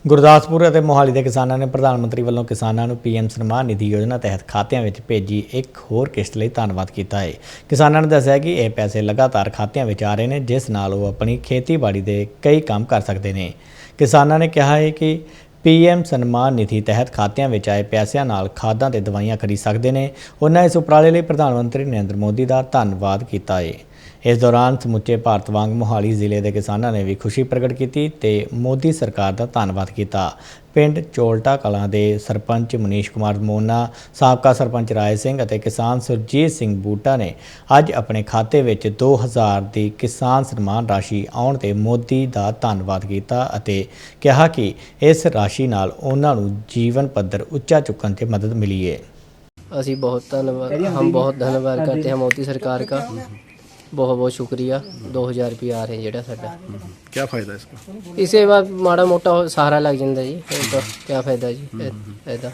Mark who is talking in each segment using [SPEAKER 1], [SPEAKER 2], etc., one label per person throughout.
[SPEAKER 1] ਗੁਰਦਾਸਪੁਰ ਅਤੇ ਮੋਹਾਲੀ ਦੇ ਕਿਸਾਨਾਂ ਨੇ ਪ੍ਰਧਾਨ ਮੰਤਰੀ ਵੱਲੋਂ ਕਿਸਾਨਾਂ ਨੂੰ ਪੀਐਮ ਸਨਮਾਨ ਨਿਧੀ ਯੋਜਨਾ ਤਹਿਤ ਖਾਤਿਆਂ ਵਿੱਚ ਭੇਜੀ ਇੱਕ ਹੋਰ ਕਿਸ਼ਤ ਲਈ ਧੰਨਵਾਦ ਕੀਤਾ ਹੈ। ਕਿਸਾਨਾਂ ਨੇ ਦੱਸਿਆ ਕਿ ਇਹ ਪੈਸੇ ਲਗਾਤਾਰ ਖਾਤਿਆਂ ਵਿੱਚ ਆ ਰਹੇ ਨੇ, ਜਿਸ ਨਾਲ ਉਹ ਆਪਣੀ ਖੇਤੀਬਾੜੀ ਦੇ ਕਈ ਕੰਮ ਕਰ ਸਕਦੇ ਨੇ। ਕਿਸਾਨਾਂ ਨੇ ਕਿਹਾ ਹੈ ਕਿ ਪੀਐਮ ਸਨਮਾਨ ਨਿਧੀ ਤਹਿਤ ਖਾਤਿਆਂ ਵਿੱਚ ਆਏ ਪੈਸਿਆਂ ਨਾਲ ਖਾਦਾਂ ਤੇ ਦਵਾਈਆਂ ਖਰੀਦ ਸਕਦੇ ਨੇ। ਉਹਨਾਂ ਇਸ ਉਪਰਾਲੇ ਲਈ ਪ੍ਰਧਾਨ ਮੰਤਰੀ ਨਰਿੰਦਰ ਮੋਦੀ ਦਾ ਧੰਨਵਾਦ ਕੀਤਾ ਹੈ। इस दौरान समुचे भारत वांग मोहाली जिले के किसानों ने भी खुशी प्रगट की ते मोदी सरकार का धन्नवाद किया। पिंड चोलटा कलां दे सरपंच मनीष कुमार मोना, साबका सरपंच राय सिंह और किसान सुरजीत सिंह बूटा ने अज अपने खाते में 2000 की किसान सन्मान राशि आउण ते मोदी का धन्नवाद किया और कहा कि इस राशि नाल उन्हां नूं जीवन पद्धर उच्चा चुकण ते मदद मिली है।
[SPEAKER 2] असी बहुत धन्यवाद हम बहुत धन्यवाद करते हैं मोदी सरकार का। बहुत बहुत शुक्रिया। 2000 रुपया आ रहे हैं जेड़ा साडा।
[SPEAKER 3] क्या फायदा इसका?
[SPEAKER 2] इसे बाद माड़ा मोटा सहारा लग जाता जी। तो क्या फायदा जी ਇਹਦਾ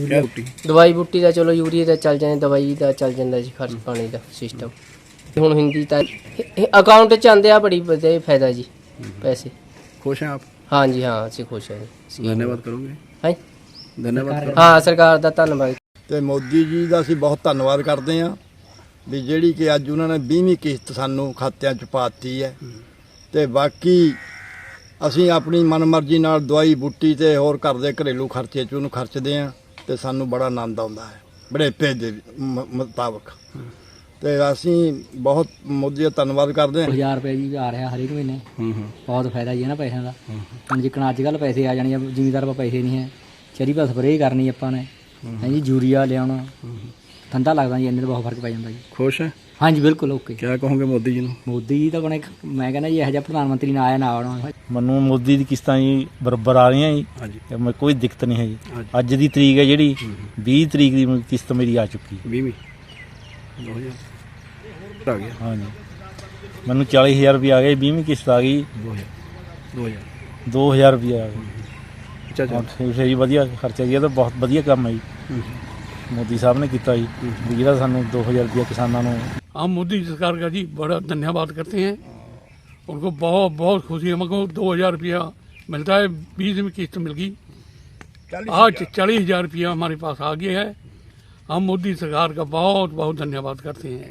[SPEAKER 2] ਦਵਾਈ ਬੂਟੀ ਦਾ ਚਲੋ ਯੂਰੀਆ ਦਾ ਚੱਲ ਜਾਂਦਾ, ਦਵਾਈ ਦਾ ਚੱਲ ਜਾਂਦਾ ਜੀ, ਖਰਚ ਪਾਣੀ ਦਾ ਸਿਸਟਮ। ਹੁਣ ਹਿੰਦੀ ਤਾਂ ਅਕਾਊਂਟ 'ਚ ਆਉਂਦੇ ਆ, ਬੜੀ ਵਧੀਆ ਫਾਇਦਾ ਜੀ। पैसे
[SPEAKER 3] खुश हैं आप?
[SPEAKER 2] हाँ जी, हाँ ਅਸੀਂ खुश हैं जी।
[SPEAKER 3] धन्यवाद करोगे?
[SPEAKER 2] हाँ
[SPEAKER 3] धन्यवाद।
[SPEAKER 2] हाँ सरकार ਦਾ ਧੰਨਵਾਦ।
[SPEAKER 4] ਤੇ ਮੋਦੀ ਜੀ ਦਾ ਅਸੀਂ ਬਹੁਤ ਧੰਨਵਾਦ ਕਰਦੇ ਹਾਂ ਵੀ ਜਿਹੜੀ ਕਿ ਅੱਜ ਉਹਨਾਂ ਨੇ 20ਵੀਂ ਕਿਸ਼ਤ ਸਾਨੂੰ ਖਾਤਿਆਂ 'ਚ ਪਾਤੀ ਹੈ। ਤੇ ਬਾਕੀ ਅਸੀਂ ਆਪਣੀ ਮਨਮਰਜ਼ੀ ਨਾਲ ਦਵਾਈ ਬੂਟੀ ਤੇ ਹੋਰ ਘਰ ਦੇ ਘਰੇਲੂ ਖਰਚੇ 'ਚ ਉਹਨੂੰ ਖਰਚਦੇ ਹਾਂ ਤੇ ਸਾਨੂੰ ਬੜਾ ਆਨੰਦ ਆਉਂਦਾ ਹੈ ਬੜੇਪੇ ਦੇ ਮੁਤਾਬਕ। ਤੇ ਅਸੀਂ ਬਹੁਤ ਮੋਦੀ ਦਾ ਧੰਨਵਾਦ ਕਰਦੇ ਹਾਂ।
[SPEAKER 5] 1000 ਰੁਪਏ ਜੀ ਆ ਰਿਹਾ ਹਰੇਕ ਮਹੀਨੇ। ਬਹੁਤ ਫਾਇਦਾ ਜੀ ਇਹਨਾਂ ਪੈਸਿਆਂ ਦਾ। ਹੁਣ ਜਿੱਕਣ ਅੱਜ ਕੱਲ੍ਹ ਪੈਸੇ ਆ ਜਾਣੇ, ਜ਼ਿਮੀਦਾਰ ਕੋਲ ਪੈਸੇ ਨਹੀਂ ਹੈ, ਚਰੀ ਪਾ ਸਪਰੇਅ ਕਰਨੀ ਆਪਾਂ ਨੇ ਹੈ ਜੀ, ਯੂਰੀਆ ਲਿਆਉਣਾ, ਠੰਡਾ ਲੱਗਦਾ ਜੀ, ਇੰਨੇ ਦਾ ਬਹੁਤ ਫਰਕ ਪੈ ਜਾਂਦਾ ਜੀ।
[SPEAKER 3] खुश है?
[SPEAKER 5] हाँ जी बिल्कुल ओके।
[SPEAKER 3] क्या कहोगे मोदी जी ਨੂੰ?
[SPEAKER 5] ਮੋਦੀ ਜੀ ਤਾਂ ਕੋਣੇ ਮੈਂ ਕਹਿੰਦਾ ਜੀ ਇਹੋ ਜਿਹਾ ਪ੍ਰਧਾਨ ਮੰਤਰੀ ਨਾ ਆਇਆ ਨਾ ਆਉਣਾ।
[SPEAKER 6] ਮੈਨੂੰ ਮੋਦੀ ਦੀ ਕਿਸ਼ਤਾਂ ਜੀ ਬਰਾਬਰ ਆ ਰਹੀਆਂ ਜੀ।
[SPEAKER 3] ਹਾਂਜੀ।
[SPEAKER 6] ਤੇ ਮੈਂ ਕੋਈ ਦਿੱਕਤ ਨਹੀਂ ਹੈ ਜੀ। ਅੱਜ ਦੀ ਤਰੀਕ ਹੈ ਜਿਹੜੀ 20 ਤਰੀਕ ਦੀ ਕਿਸ਼ਤ ਮੇਰੀ ਆ ਚੁੱਕੀ।
[SPEAKER 3] 20ਵੀਂ 2000 ਆ ਗਿਆ।
[SPEAKER 6] ਹਾਂਜੀ, ਮੈਨੂੰ 40000 ਰੁਪਏ ਆ ਗਏ। 20ਵੀਂ ਕਿਸ਼ਤ ਆ ਗਈ। 2000 ਰੁਪਏ ਆ ਗਏ।
[SPEAKER 3] ਅੱਛਾ ਅੱਛਾ।
[SPEAKER 6] ਠੀਕ ਹੈ ਜੀ, ਵਧੀਆ ਖਰਚਾ ਜੀ। ਇਹ ਤਾਂ ਬਹੁਤ ਵਧੀਆ ਕੰਮ ਹੈ ਜੀ मोदी साहब ने किया जी, ਜਿਹੜਾ ਸਾਨੂੰ 2000 रुपया किसानों ਨੂੰ।
[SPEAKER 7] हम मोदी सरकार का जी बड़ा धन्यवाद करते हैं। उनको बहुत बहुत खुशी है। हमको 2000 रुपया मिलता है, 20 में किस्त मिल गई। आज 40,000 रुपया हमारे पास आ गया है। हम मोदी सरकार का बहुत बहुत धन्यवाद करते हैं।